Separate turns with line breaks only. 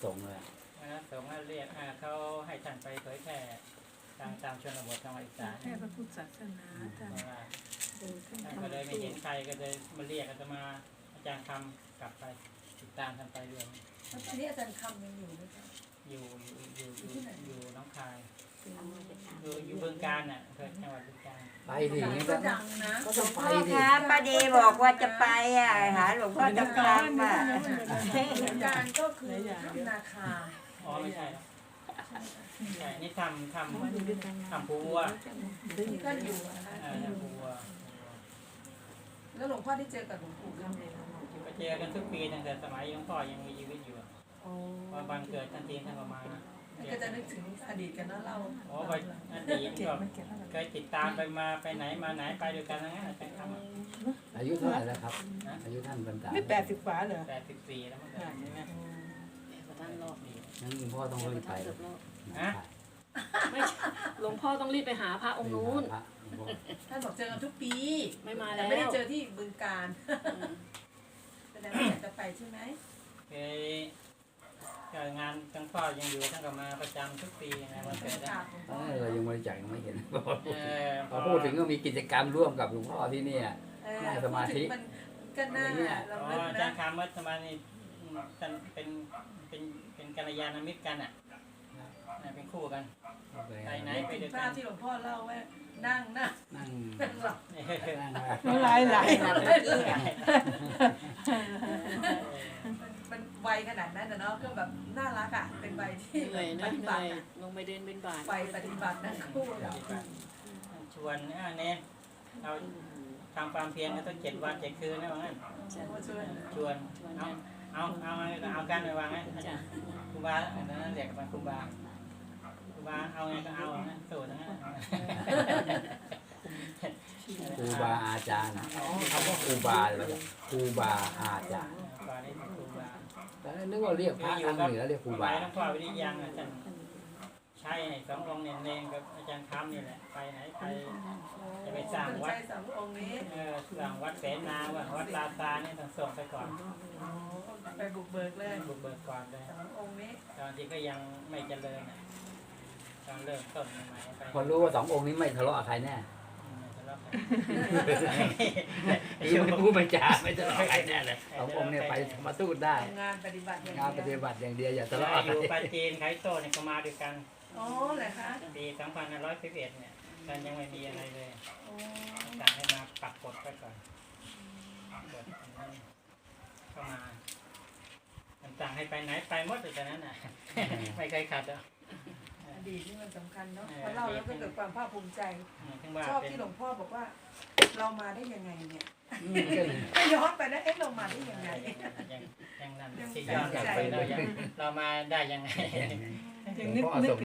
สงฆ์เลย
คณะสงฆ์เรียกเขาให้ท่านไปเผยแผ่ตามชนบทจังหวัดอีสาน
แค่พระพุทธศาสนาท่าน
ท่านก็เลยไม่เห็นใครก็เลยมาเรียกอาตมาอาจารย์คำกลับไปติดตามท่านไปเรื่อย
แล้วตอนนี้อาจารย์คำยังอยู่ไหมคะ
อยู่น้องคายอยู่บึงกาฬน่ะเกิดจังหวัดบึงกาฬ
ไปดิอย่างนี้
ก็
ก็
ดังนะ
ต้องไป
พ่อ
ดิ
คะป้าดีบอกว่าจะไปหาหลวงพ่อจำคำอ่ะ
อาจารย์ก็คือถ้ำนาคา
อ๋อไม่ใช่ใช่นี่ทำภูวัว
ที่ท่านอยู่นะคะ
ทำภูวัว
แล้วหลวงพ่อได้เจอกับหลวงปู่คำ
ก็เจอกันทุกปีตั้งแต่สมัยหลวงพ่อยังมีชีวิตอยู่พอวันเกิดท่านทีท่านก็มา
ก็จะนึกถึงอดีตกันนะเรา
อ๋อไปอดีตก็เคยติดตามไปไหนมาไหนไปด้วยกันทั้งนั้นอาจารย์คำ
อายุเท่าไหร่แล้วครับอายุท่านบรรดา
ไม่80 กว่าเหรอ
84แล้วมั้งใช่ไหม
ท่านรอบ
งั้นหลวงพ่อต้องรีบไป
ไม่หลวงพ่อต้องรีบไปหาพระองค์นู้น
ท่านบอกเจอกันทุกปี
ไม่มา
แต่
แล้ว
ไม่ได้เจอที่บึงการแสดงว่าอยากจะไปใช่ไหม
งานทั้งพ่อยังอยู่ท่านก็มาประจำทุกปีนะวัน
บร
เกิ
ร
ด
ยากาศหลวงพ่อ
เรายังบริจาคยังไม่เห็น
พ
พอพูดถึงก็มีกิจกรรมร่วมกับหลวงพ่อที่นี่ นั่งสมาธิ
มันก็น่าเรา
อ๋อ
ลึก
อาจาร
นะ
ย์คำวัดสมานี่ท่านเป็นกัลยาณมิตรกันอ่ะเป็นคู่กันไปไหนไปด้วย
ภา
กั
พ
น
ที่หลวงพ่อเล่าว่านั่ง
นั่ง
หลับ
นั่ง
ไหล
มันวัยขนาดนั้นนะเนาะก็แบบน่ารักอ่ะเป็นวัยที่
เหนื่อย
ป
นะ
ฏิ
เห
บั
นื่อย
ติอะ
ลงไปเดินเป็นบาท
วัยปฏิบัตินั่งคู่
ชวนเนี่ยเราทำความเพียรก็ต้อง7 วัน 7 คืนนะว่างั้น ชวนเอากันไปวางไงครูบาอันนั้นเรียกกันครูบาเอาไงก็เอานะสูตรนะ
ครูบาอาจารย์คำว่าครูบาเลยครูบาอาจารย์
ครูบานี่ครูบา
แต่นึกว่าเรียกพระทางเหนือเรียกครูบา
หลวงพ่อวิริยังอาจารย์ใช่2 องค์เนี่ยเนงกับอาจารย์คำนี่แหละไปไหนไปจะไปสร้างวัด
สององค์นี้
สร้างวัดเสนาวัดลาซาเนี่ยต้องส่งไปก่อน
ไปบุกเบิกเลย
บุกเบิกก่อนเลย
สององค์นี้
ตอนที่ก็ยังไม่เจริญตอนเริ่มต้นใหม่ไป
พอรู้ว่า2 องค์นี้ไม่ทะเลาะกับใครแน่
ทะเลาะกัน
คือไม่พูดไม่จาไม่ทะเลาะกับใครแน่เลย2 องค์เนี่ยไปมาสู้ได้
งานปฏิบัติอย่าง
งานป
เดี
ฏิ
ยว
บัติอย่างเดียวอย่าทะ
เรา
เลาะ
อ
กับ
ยู่
ใคร
ปาจีนไคโตเนี่ยก็มาด้วยกัน
อ๋อเหรอคะ
ปี2511เนี่ยตอนยังไม่มีอะไรเลย
โอ้
สั่งให้มาปักกดไว้ก่อนกดเข้ามาสั่งให้ไปไหนไปหมดเลยตอนนั้นน่ะไม่เคยขาดอ่ะ
อดีตนี่มันสำคัญเนาะพอเล่าแล้วก็เกิดความภาคภูมิใจ
ถึงว่า
ชอบ
เป็น
ที่หลวงพ่อบอกว่า เรามาได้ยังไงเนี่ย
ก็เลย
ถ้าย้อนไปนะเอ๊ะเรามาได้ยังไง
ยังนั่นที่ย้อนกลับไปเรามาได้ยังไง
หลวงพ่อส่ง